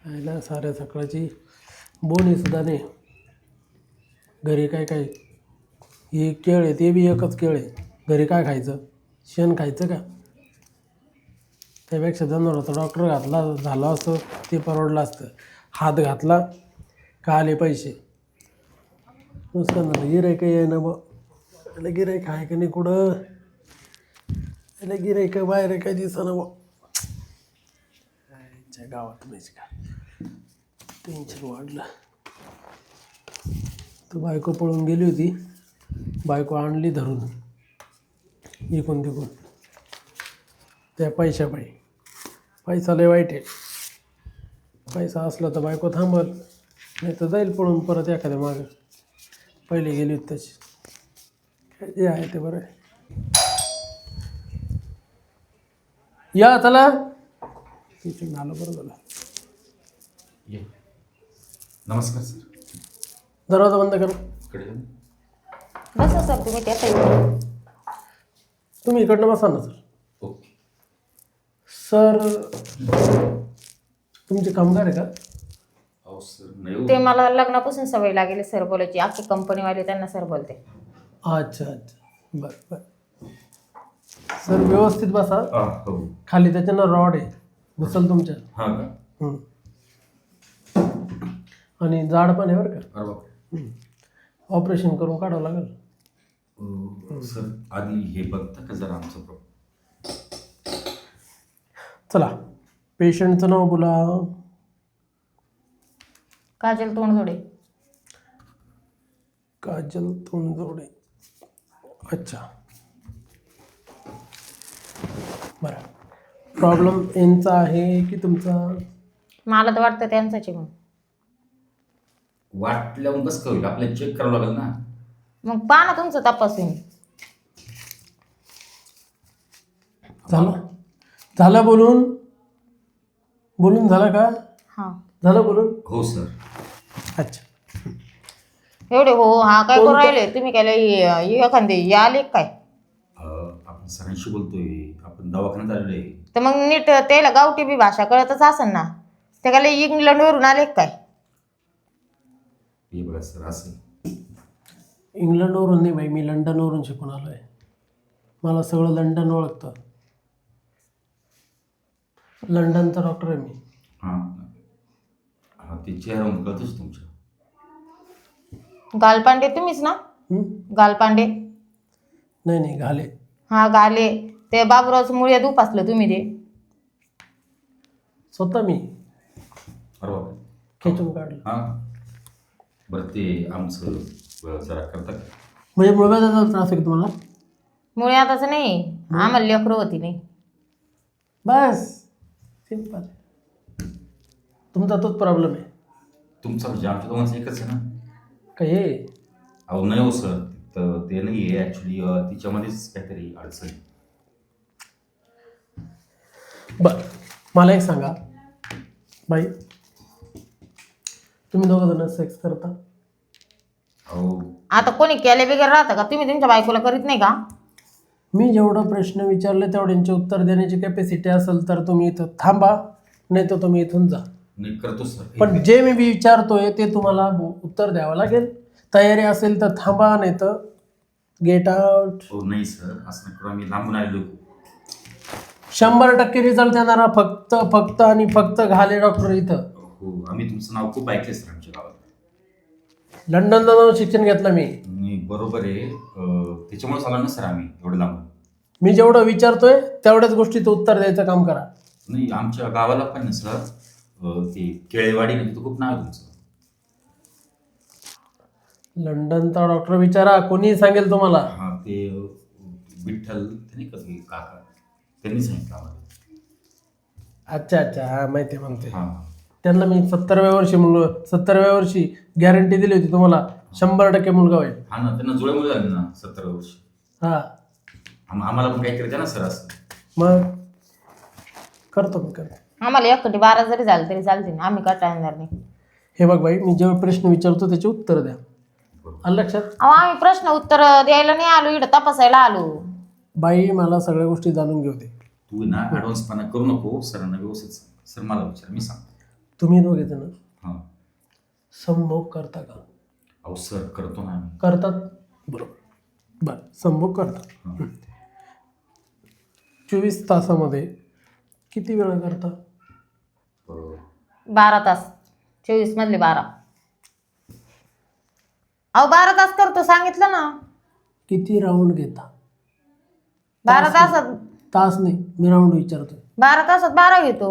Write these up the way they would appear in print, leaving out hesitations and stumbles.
आयला साऱ्या सकाळची बोनी सुद्धा नाही. घरी काय काय हे केळ आहे, ते बी एकच केळ आहे. घरी काय खायचं? शेण खायचं का? त्यापेक्षा जनावराचा डॉक्टर घातला झालं असतं ते परवडलं असतं. हात घातला का आले पैसे. नुसतं झालं गिराईक आहे ना बा. त्याला गिराईक आहे का नाही कुठं? त्याला गिराईक बाहेर काय दिसना बा. आईच्या गावात माहिती का टेन्शन वाढलं. तर बायको पळून गेली होती. बायको आणली धरून इकून तिकून त्या पैशापायी. पैसा लय वाईट आहे. पैसा असला तर बायको थांबल, नाही तर जाईल पळून परत एखाद्या मागं. पहिले गेली होती तशी. काय जे आहे ते बरं आहे. या चला तिथून झालं बरं झालं. नमस्कार सर. दरवाजा बंद करा. बसा सर तुम्ही त्या साईडला. तुम्ही इकडनं बसा ना सर. ओके. सर तुमचे कामगार आहे का? अहो सर नाही ते मला लग्नापासून सवय लागेल सर बोलायची. अख्खी कंपनीवाले त्यांना सर बोलते. अच्छा अच्छा बरं बरं. सर व्यवस्थित बसा. हो. खाली त्याच्यानं रॉड आहे घुसल तुमच्या. हां का? आणि जाड पण आहे बरं का. अरे बापरे. ऑपरेशन करून काढावं लागेल. सर आधी हे बघता का जरा आमचं प्रॉब्लेम. चला पेशंटचं नाव बोला. काजल तोंडजोडे. काजल तोंडजोडे. अच्छा बरं. प्रॉब्लेम यांचा आहे की तुमचा? मला तर वाटतं त्यांचाच आहे. मग वाटल्यावर कसं होईल, आपल्याला चेक करावं लागेल ना. मग पहा ना तुमचं तपासून. झालं बोलून बोलून झालं का? हां झालं बोलून. हो सर. अच्छा एवढे हो हा काय करू राहिले तुम्ही? काय एखादे आले काय? आपण सरांशी बोलतोय, आपण दवाखान्यात आलेलो आहे. तर मग नीट त्याला गावठी बी भाषा कळतच असेल ना. ते काय इंग्लंडवरून आले काय? हे बघा सर असं. इंग्लंडवरून नाही बाई, मी लंडनवरून शिकून आलो आहे. मला सगळं लंडन ओळखतं. लंडनचा डॉक्टर आहे मी. हां हां ते चेहऱ्यावरून कळतच तुमच्या. गालपांडे तुम्हीच ना? गालपांडे. नाही नाही घाले. हा गाले. ते बाबूरावचं मुळे दुपासलं तुम्ही ते. स्वतः मी अरे बापरे. खेचून काढलं. हां बरं ते आमचं जरा करता का? म्हणजे मुळव्याधाचा त्रास आहे का तुम्हाला? मुळे आताच नाही, आम्हाला लेकरं होती नाही. बस सिंपल. तुमचा तोच प्रॉब्लेम आहे तुमचा म्हणजे आमच्या दोघांचं एकच आहे ना. का हे? अहो नाही हो सर, तर ते नाही आहे ॲक्च्युली तिच्यामध्येच काहीतरी अडचण आहे. बरं मला एक सांगा बाई, तुम्ही दोघं जण सेक्स करता? अहो आता कोणी केले वगैरे राहतं का? तुम्ही तुमच्या बायकोला करीत नाही का? मी जेवढं प्रश्न विचारले तेवढ्यांचे उत्तर देण्याची कॅपॅसिटी असेल तर तुम्ही इथं थांबा, नाही तर तुम्ही इथून जा. नाही करतो सर. पण जे मी विचारतोय ते तुम्हाला उत्तर द्यावं लागेल. तयारी असेल तर थांबा, नाही तर गेट आउट. हो नाही सर असं नाही करू, आम्ही लांबून आलेलो. 100% रिझल्ट देणारा फक्त आणि फक्त घाले डॉक्टर इथं. हो आम्ही तुमचं नाव खूप ऐकले सर आमच्या गावात. लंडनला जाऊन शिक्षण घेतलं मी. मी बरोबर आहे, त्याच्यामुळे आलो ना सर आम्ही एवढं लांबून. मी जेवढं विचारतोय तेवढ्याच गोष्टीचं उत्तर द्यायचं काम करा. नाही आमच्या गावाला पण ना सर ते केळेवाडी म्हणजे खूप नाव आहे तुमचं. लंडनचा डॉक्टर विचारा, कोणी सांगेल तुम्हाला. हां ते विठ्ठल ते नाही का ते काका, त्यांनी सांगितलं आम्हाला. अच्छा अच्छा हां माहिती आहे म्हणते. हां त्यांना मी 70व्या वर्षी गॅरंटी दिली होती तुम्हाला 100% मुलगा होईल. हां ना, त्यांना जुळ्यामुळे झाले ना 70 वर्ष. हां आम्हाला पण काहीतरी द्या ना सर असं. मग करतो मी करतो. आम्हाला एकटी 12 जरी झालं तरी चालते ना, आम्ही कंटाळणार नाही. हे बघ बाई, मी जेव्हा प्रश्न विचारतो त्याचे उत्तर द्या. आलं लक्षात? अहो आम्ही प्रश्न उत्तर द्यायला नाही आलो, इकडं तपासायला आलो. बाई मला सगळ्या गोष्टी जाणून घेऊ दे. तू ना ॲडव्हान्सपणा करू नको, सरांना व्यवस्थित सांग. सर मला विचार, मी सांगतो. तुम्ही दोघे जण हां. संभोग करता का? अहो सर करतो ना आम्ही. करतात, बरोबर. बरं, संभोग करतात. हां. 24 तासामध्ये किती वेळा करता? 12 तास. 24 मधले 12. अहो 12 तास करतो सांगितलं ना. किती राऊंड घेता? 12 तासात तास नाही, मी राऊंड विचारतोय. 12 तासात 12 घेतो.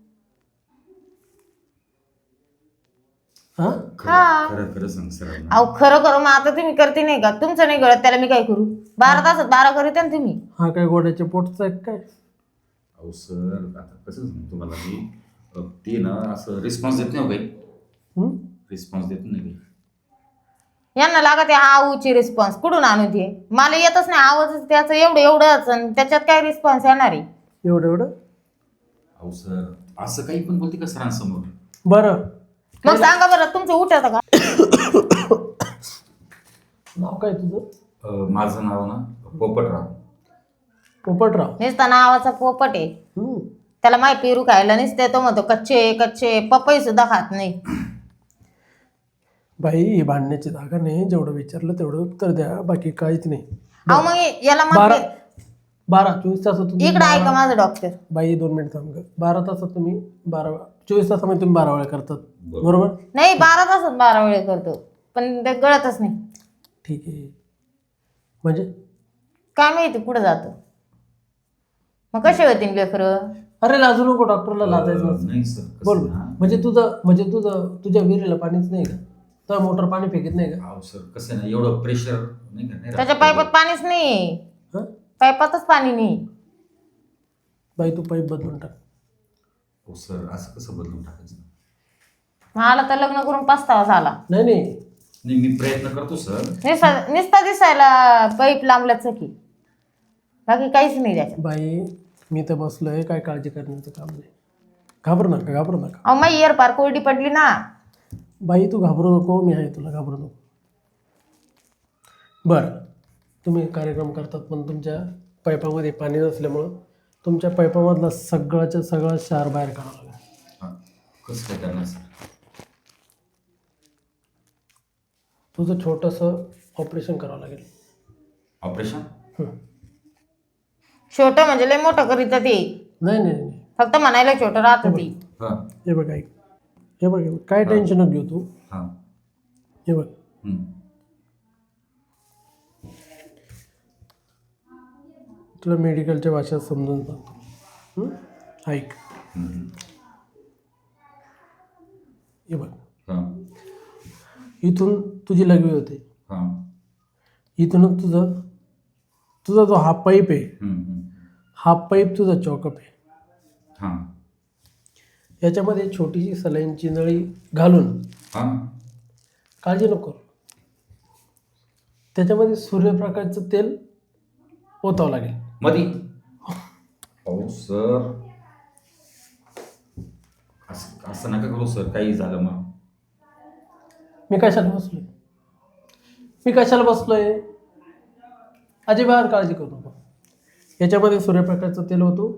हा, खरं खरं सांग सर. अहो खरं खरं मग आता तुम्ही करते नाही का? तुमचं नाही गळत त्याला मी काय करू? 12 तासात 12 करीते ना तुम्ही. हा काय घोड्याच्या पोटचा आहे काय? अहो सर आता कसं सांगू तुम्हाला मी, ते ना असं रिस्पॉन्स देत नाही हो काही. हं? रिस्पॉन्स देत नाही काही. यांना लागत आहे आऊची रिस्पॉन्स. कुठून आणू ते? मला येतच नाही आवाज त्याचं एवढंच आणि त्याच्यात काय रिस्पॉन्स येणार आहे? एवढं अहो सर असं काही पण बोलते का सरांसमोर? बरं, मग सांगा बरं तुमचं उठायचं का? नाव काय तुझं? माझं नाव ना पोपटराव. पोपटराव. नुसता नावाचा पोपट आहे. हं. त्याला माय पेरू खायला नसते. तो म्हणतो कच्चे कच्चे पपई सुद्धा खात नाही. बाई, ही भांडण्याची जागा नाही. जेवढं विचारलं तेवढं उत्तर द्या, बाकी काहीच नाही. अहो मग याला 24 तासात इकडे ऐका माझं डॉक्टर. बाई 2 मिनिट थांब गं. 12 तासात तुम्ही 24 तासामध्ये तुम्ही 12 वेळा करतात, बरोबर? नाही 12 तासात 12 वेळ करतो पण ते गळतच नाही. ठीक आहे. म्हणजे काय माहिती कुठं जातं. मग कसे होतील लेकरं? अरे लाजू नको, डॉक्टरला लाजायचं नसतं. नाही सर बोल. कसं ना, तुझ्या विहिरीला पाणीच नाही का? तर मोटर पाणी फेकत नाही का? अहो सर कसं आहे ना, एवढं प्रेशर नाही का, नाही त्याच्या राहत. पाईपात पाणीच नाही. हं? पाईपातच पाणी नाही. बाई तू पाईप बदलून टाक. हो सर असं कसं बदलून टाकायचं? मला तर लग्न करून पस्तावा झाला. नाही नाही मी प्रयत्न करतो सर. नुसता दिसायला पाईप लांबल्याच की बाकी काहीच नाही त्याच्यात. बाई, मी तर बसलोय, काय काळजी करण्याचं काम नाही. घाबरू नका. अहो मग इयर पार कोरडी पडली ना. बाई तू घाबरू नको, मी आहे, तुला घाबरू नको. बरं, तुम्ही कार्यक्रम करतात पण तुमच्या पाईपामध्ये पाणी नसल्यामुळं तुमच्या पाईपामधला सगळ्याच्या सगळा क्षार बाहेर काढावा लागेल. हां. कसं काय करणार सर? तुझं छोटंसं ऑपरेशन करावं लागेल. ऑपरेशन? हं. छोटं म्हणजे लय मोठं करीत ते. नाही. फक्त म्हणायला छोटं राहत ती. हां. हे बघ ऐक, हे बघ काय टेन्शन नको घेऊ तू. हां. हे बघ, तुला मेडिकलच्या भाषेत समजून सांगतो. ऐक, हे बघ, हां. इथून तुझी लघवी होते. हां. इथूनच तुझा जो हा पाईप आहे, हा पाईप तुझा चॉकअप आहे. हां. याच्यामध्ये छोटीशी सलाईनची नळी घालून, हां. काळजी नको, त्याच्यामध्ये सूर्यप्रकाशचं तेल ओतावं लागेल. मधी? हो सर असं नका करू सर, काही झालं मग. मी कशाला बसलोय? अजिबात काळजी करू नको. याच्यामध्ये सूर्यप्रकाशचं तेल होतो,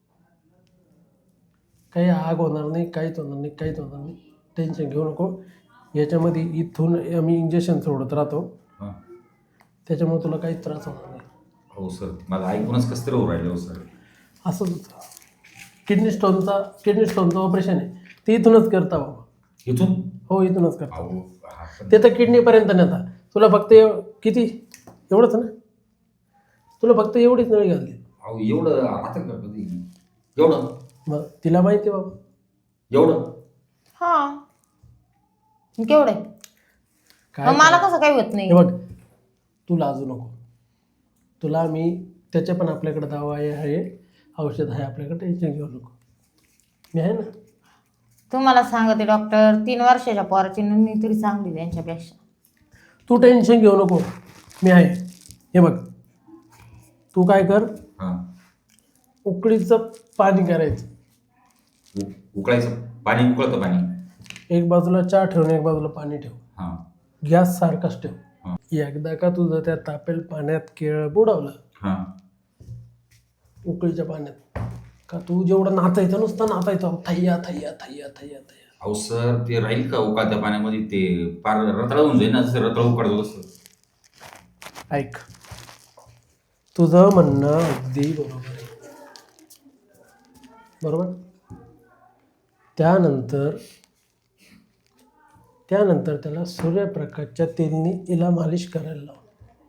काही आग होणार नाही, काहीच होणार नाही. टेन्शन घेऊ नको. याच्यामध्ये इथून आम्ही इंजेक्शन सोडत राहतो, हां. त्याच्यामुळे तुला काही त्रास होणार नाही. हो सर मला ऐकूनच कसं तरी होऊ राहिलं हो सर. असंच होतं. किडनी स्टोनचं ऑपरेशन आहे, ते इथूनच करता बाबा. इथून? हो, इथूनच करता. अहो हा पण- ते तर किडनीपर्यंत नेता. तुला फक्त किती एवढंच ना? तुला फक्त एवढीच नळी घालते. अहो एवढं आता का कधी एवढं? मग तिला माहिती आहे बाबा. एवढं? हा केवढे काय मला कसं काही होत नाही. हे बघ, तू लाजू नको. तुला मी त्याच्या पण आपल्याकडे दवा आहे, औषध आहे आपल्याकडे, टेन्शन घेऊ नको. मी आहे ना. तुम्हाला सांगते डॉक्टर 3 वर्षाच्या पोराची नोंदणी तरी चांगली त्यांच्यापेक्षा. तू टेन्शन घेऊ नको, मी आहे. हे बघ, तू काय कर, हां. उकळीचं पाणी करायचं. उकळायचं पाणी? उकळतं पाणी? एक बाजूला चहा ठेव आणि एक बाजूला पाणी ठेव. हां. गॅस सारखाच ठेव. हां. एकदा का तुझं त्या तापेल पाण्यात केळ बुडवलं, हां. उकळीच्या पाण्यात, का तू जेवढं नाचायचं नुसतं नाचायचं, थैया. अहो सर ते राहील का उकाळत्या पाण्यामध्ये ते पार रताळा होऊन जाईल ना, जसं रताळा उकाळतो तसं. ऐक, तुझं म्हणणं अगदी बरोबर आहे. बरोबर. त्यानंतर त्याला सूर्यप्रकाशच्या तेलनी हिला मालिश करायला लाव.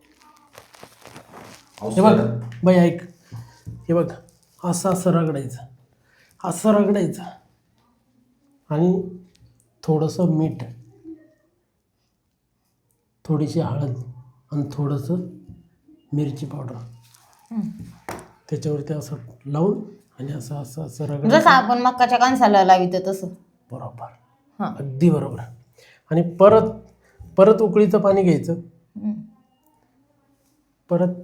अहो हे बघ सर बाई, ऐक, हे बघ, असं रगडायचं आणि थोडंसं मीठ, थोडीशी हळद आणि थोडंसं मिरची पावडर त्याच्यावरती असं लावून आणि असं रगडायचं. जसं आपण मक्काच्या कणसाला लावित तसं. बरोबर, हां. अगदी बरोबर. आणि परत उकळीचं पाणी घ्यायचं. परत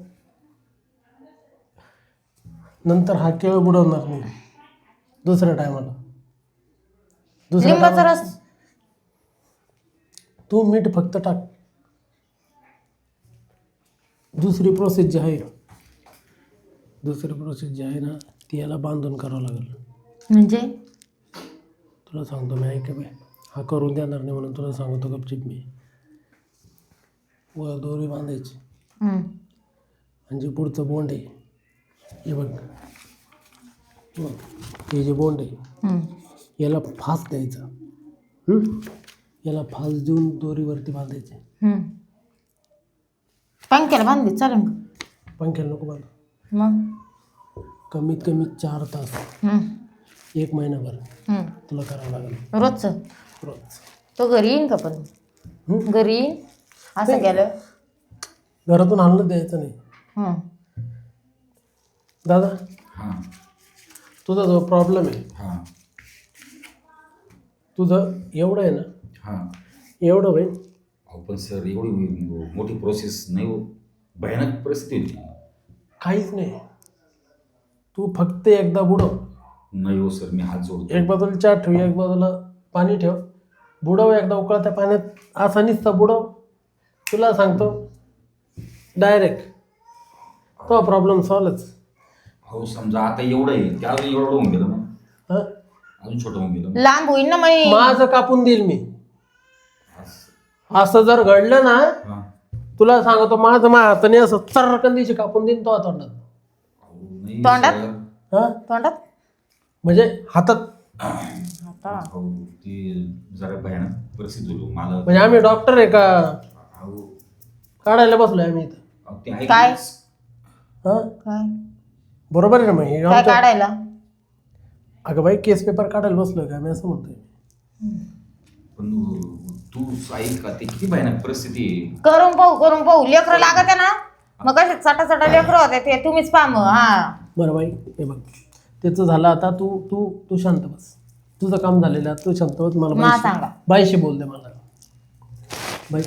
नंतर हा केळ बुडवणार नाही दुसऱ्या टायमाला. लिंबाचा रस. तू मीठ फक्त टाक. दुसरी प्रोसेस जी आहे ना, ती याला बांधून करावं लागेल. म्हणजे तुला सांगतो मी, ऐक बाय, हा करून देणार नाही म्हणून तुला सांगतो गपचिप मी. वर दोरी बांधायची आणि जे पुढचं बोंड आहे, हे बघ, हे जे बोंड आहे याला फास द्यायचा. याला फास देऊन दोरीवरती बांधायचे. पंख्याला बांधली चालेल का? पंख्याला नको बांध. मग कमीत कमी 4 तास 1 महिनाभर तुला करावं लागेल रोजचं. रोज. तो घरी येईन का पण? घरी येईन असं केलं. घरातून आणलं द्यायचं नाही. दादा, हां तुझा जो प्रॉब्लेम आहे, हां तुझं एवढं आहे ना, हां. एवढं होईल. अहो पण सर एवढी मोठी प्रोसेस नाही हो, भयानक परिस्थिती होती. काहीच नाही, तू फक्त एकदा बुडव. नाही हो सर, मी हात जोडतो. एक बाजूला चहा ठेव, एक बाजूला पाणी ठेव, बुडव एकदा उकळत्या पाण्यात. असा नुसता बुडव, तुला सांगतो डायरेक्ट तो प्रॉब्लेम सॉल्वच. हो समजा आता एवढं आहे, त्या अजून एवढं होऊन गेलं मग, हां, अजून छोटं होऊन गेलं. लांब होईन ना मग. माझं कापून देईल मी. असं. असं जर घडलं ना, हां. तुला सांगतो माझं हाताने असं चर्रकन दिवशी कापून देईन तो तोंडात. अहो, नाही तोंडात? सर. हां, तोंडात म्हणजे हातात. अहो, ती जरा भयानक परिस्थिती होती मला. म्हणजे आम्ही डॉक्टर आहे का अहो, काढायला बसलोय आम्ही इथं? अहो, ते ऐक काय? ना. हां, काय बरोबर आहे ना. मग हे काय आमच्या- काढायला? अगं बाई, केस पेपर काढायला बसलोय का मी, असं म्हणतोय. पण तू ऐक का, ते किती भयानक परिस्थिती आहे. करून पाहू लेकरं लागत आहे ना, मग कसे चटा लेकरं होते ते तुम्हीच पहा मग. हा बरं बाई, हे बघ, त्याचं झालं आता. तू तू तू शांत बस. तुझं काम झालेलं आहे, तू शांत बस. मला मला बाईशी- सांगा. बाईशी बोल दे मला. बाई,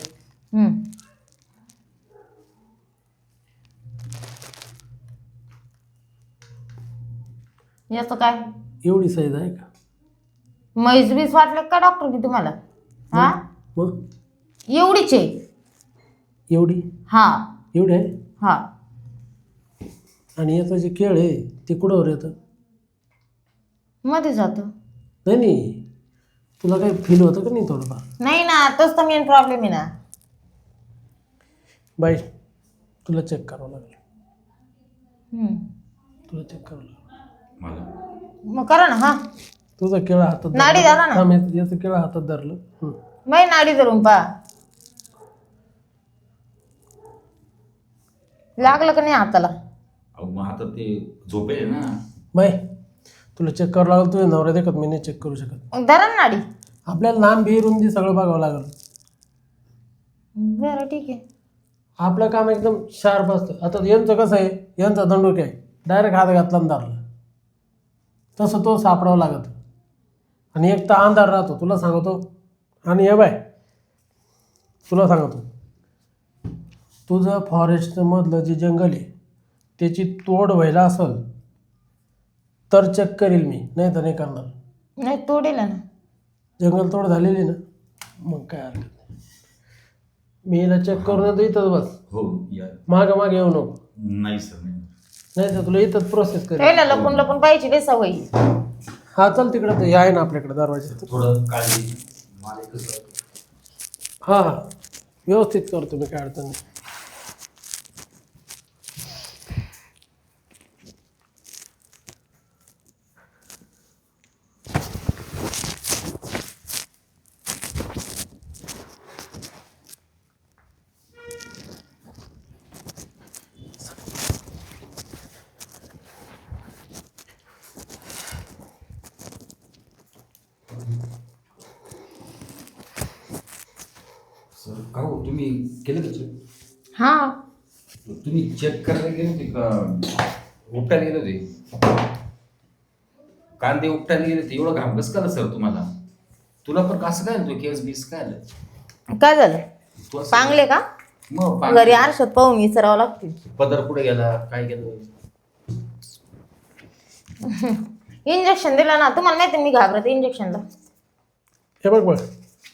याचं काय एवढी साईज आहे का? म्हैस बीस वाटले का डॉक्टरनी तुम्हाला? हा, मग एवढीच आहे. एवढी हा एवढी आहे. हा. आणि याचं जे केळ आहे ते कुठंवर येतं? मध्ये जातो. नाही नाही, तुला काही फील होतं का नाही थोडंफार? नाही ना, तोच तर मेन प्रॉब्लेम आहे ना. बाई, तुला चेक करावं लागेल. तुला चेक करावं लागेल. मला मग करा ना. हा, तुझं केळं हातात नाडी धरा ना. थांब, याचं केळं हातात धरलं. मै नाडी धरून पहा. लागलं का नाही हाताला? अहो मग आता ते झोपेल ना. बाई, तुला चेक करावं लागेल. तुझ्या नवऱ्या देखत मी नाही चेक करू शकत. मग धरा ना नाडी. आपल्याला लांब बी रुंदी सगळं बघावं लागेल. बरं ठीक आहे. आपलं काम एकदम शार्प असतं. आता यांचं कसं आहे, यांचा दंडूक आहे, डायरेक्ट हात घातला आणि धरला. तसं तो सापडावं लागत. आणि एक तर अंधार राहतो, तुला सांगतो. आणि हे बाय, तुला सांगतो, तुझं फॉरेस्टमधलं जे जंगल आहे त्याची तोड व्हायला असेल तर चेक करेल मी, नाही तर नाही करणार. नाही तोडेल ना. जंगल तोड झालेली ना, मग काय हरकत नाही. मी हिला चेक करून येतो इथंच बस. हो या. मागे येऊ नको. नाही सर नाही. नाही तर तुला इथंच प्रोसेस करेल. त्याला लपून लपून पाहिजे रे सवयी. हा चल तिकडं ते आहे ना आपल्याकडे दरवाजा. थोडं काळजी मला कसं हां हां व्यवस्थित करतो मी, काय अडचण नाही. सर का हो तुम्ही केलं का चेक? हा तुम्ही चेक करायला गेले होते का उपटायला गेले होते? कांदे उपटायला गेले होते, एवढं घाम कसं झालं सर तुम्हाला? तुला पण कसं काय आलं? तो केस बीस काय आलं? काय झालं? तू असं- पांगले का? मग घरी आरशात पाहून विचारावं लागतील. पदर कुठे गेला, काय गेलं? इंजेक्शन दिलं ना, तुम्हाला माहिती मी घाबरते इंजेक्शनला. हे बघ बघ,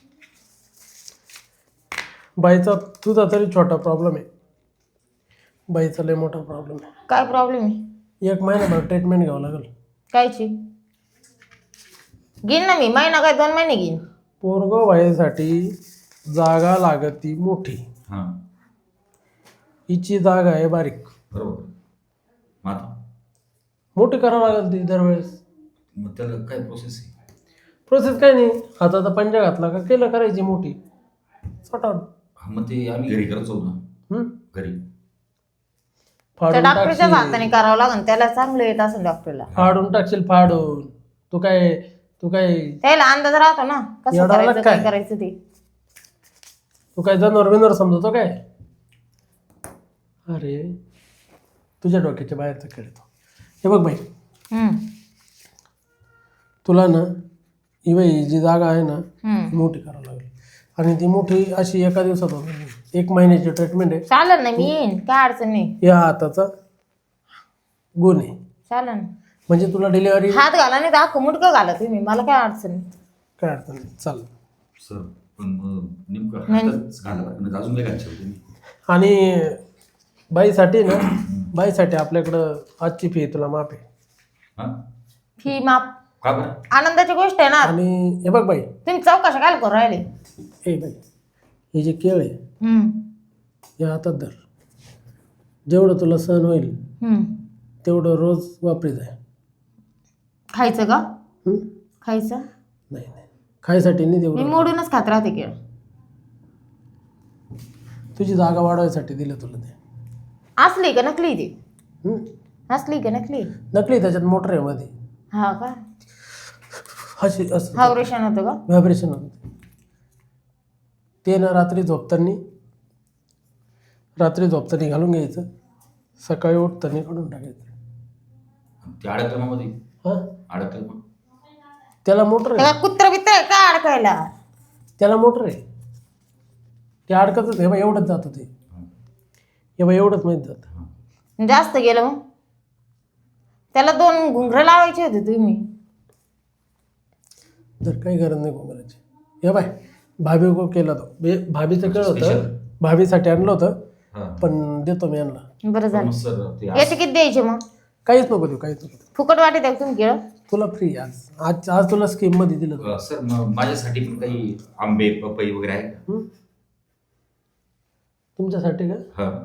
बाईचा तुझा तरी छोटा प्रॉब्लेम आहे, बाईचा लय मोठा प्रॉब्लेम आहे. काय प्रॉब्लेम आहे? 1 महिनाभर ट्रीटमेंट घ्यावं लागेल. कायची? घेईन ना मी, महिना काय 2 महिने घेईन. पोरगं व्हायसाठी जागा लागती मोठी, हां हिची जागा आहे बारीक, बरोबर. मग आता मोठी करावं लागेल ती दरवेळेस. मग त्याला काय प्रोसेस आहे? प्रोसेस काय नाही, हाताचा पंजा घातला का केलं करायची मोठी सटावून. हा, मग ते आम्ही घरी करतो ना, घरी त्या फाडून डॉक्टरच्याच टाकशील, हाताने करावं लागेल, त्याला चांगलं येत असेल डॉक्टरला. फाडून टाकशील फाडून. तू काय त्याला अंदाज राहतो ना कसं येडा करायचं, आला काय काय? करायचं ते. तू काय जनावर बिनवर समजतो काय? अरे तुझ्या डोक्याच्या बाहेरचा खेळ तो. हे बघ बाई, हम्म, तुला ना ही बाई जी जागा आहे ना हम्म. ती मोठी करावं लागेल, आणि ती मोठी अशी एका दिवसात होणार नाही. 1 महिन्याची ट्रीटमेंट आहे. चालेल ना, मी येईन, काय अडचण नाही. या हाताचा गुण आहे, चालेल ना, म्हणजे तुला डिलिव्हरी हात घाला नाही तर अख्खं मुटकं घाला तुम्ही, मला काय अडचण नाही. काय अडचण नाही. चाल. सर पण मग नेमकं हातच घालावं लागेल, अजून काय घालशाल तुम्ही? आणि बाईसाठी ना, बाईसाठी आपल्याकडं आजची फी तुला माफ आहे. हां फी माप का बरं? आनंदाची गोष्ट आहे ना. आणि हे बघ बाई, तुम्ही चौकशा काय करू राहिले? ए बाई, हे जे केळ आहे हम्म, या हातात धर. जेवढं तुला सहन होईल हम्म. तेवढं रोज वापरी जाय. खायचं का? हं? खायचं? नाही नाही, खायसाठी नाही मी तेवढं, मोडूनच खात राहते केळ. तुझी जागा वाढवायसाठी दिलं तुला ते. असली का नकली ती? हं? असली का नकली? नकली, त्याच्यात मोटर आहे मध्ये, हा का? अशी असं ऑपरेशन होतं का? व्हायब्रेशन होतं ते ना. रात्री झोपताना घालून घ्यायचं, सकाळी उठताना काढून टाकायचं. ते अडकलं मग मध्ये, हां, अडकलं मग त्याला मोटर आहे, त्याला कुत्र बित्र आहे का अडकायला? त्याला मोटर आहे, ते अडकतच. हे बा एवढंच जातं ते, हे बा एवढंच माहीत जातं. जास्त गेलं मग? त्याला 2 घुंगरं लावायचे होते तुम्ही. तर काही गरज नाही घुंगराची. हे बाय, भाभी को केला तो, भाभीचं केलं होतं, भाभीसाठी आणलं होतं, हां. पण देतो मी आणला. बरं मग झालं. सर ते याचे किती द्यायचे मग? काहीच नको देऊ, काहीच नको देऊ. फुकट वाटे द्या तुम्ही केळं? तुला फ्री आज तुला स्कीममध्ये दिलं होतं. सर मग माझ्यासाठी पण काही आंबे पपई वगैरे आहे का? हं? तुमच्यासाठी का? हां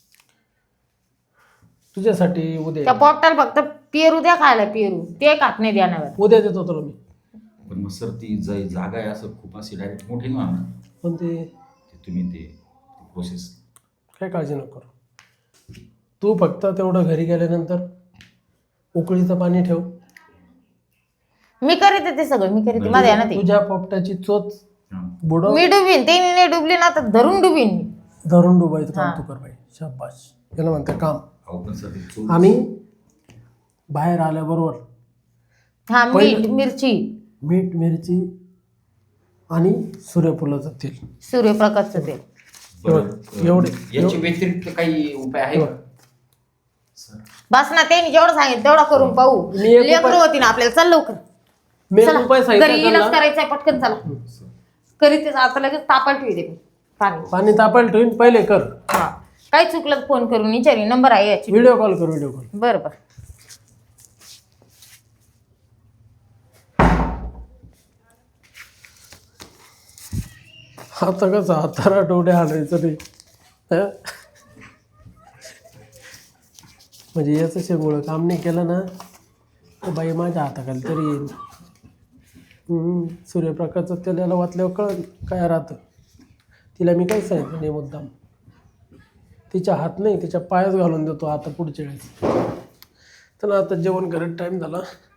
तुझ्यासाठी उद्या त्या पोपटाला फक्त पेरू द्या खायला, पेरू ते खात नाही द्यानावर. उद्या देतो तुला मी. पण मग सर ती जागा आहे असं खूप अशी डायरेक्ट मोठी नाही होणार. पण ते तुम्ही ते प्रोसेस काय काळजी नको करू. तू फक्त तेवढं घरी गेल्यानंतर उकळीचं पाणी ठेव. मी करीते ते सगळं, मी करीते, माझ्या ना ते. तुझ्या पोपटाची चोच बुडव, मी डुबीन, ते नाही डुबली ना तर धरून डुबीन मी. धरून डुबायचं काम हां. तू कर बाई. शाबाश, याला म्हणते काम. अहो पण सर ते चोर- आणि बाहेर आल्याबरोबर हा, मीठ, मिरची, मीठ, मिरची आणि सूर्यफुलाचं तेल. सूर्यप्रकाशचं तेल. बरं, एवढे याच्या व्यतिरिक्त काही उपाय आहे का? सर बस ना, त्यांनी जेवढं सांगितलं तेवढं करून पाहू. मी एक लेकरं उपाय- होती ना आपल्याला, चल लवकर. मी एक चला, उपाय घरी सांगितला इलाज त्यांना. करायचंय, पटकन चला. करीत आता लगेच तापायला ठेवते मी पाणी. पाणी तापायला ठेवून पहिले कर. हा, काही चुकलं तर फोन करून विचारी, नंबर आहे याची. व्हिडिओ कॉल कर, व्हिडिओ कॉल. बरं बरं. आता कसं आता आठवडे आणायचं नाही हं? म्हणजे याचं शेंगोळं काम नाही केलं ना तर बाई माझ्या हाताखाली तरी येईल. सूर्यप्रकाशचं त्याला वाचल्यावर कळलं काय राहतं. तिला मी काही सांगितलं नाही मुद्दाम. तिच्या हात नाही तिच्या पायाच घालून देतो आता पुढच्या वेळेस. तर आता जेवण करत टाईम झाला.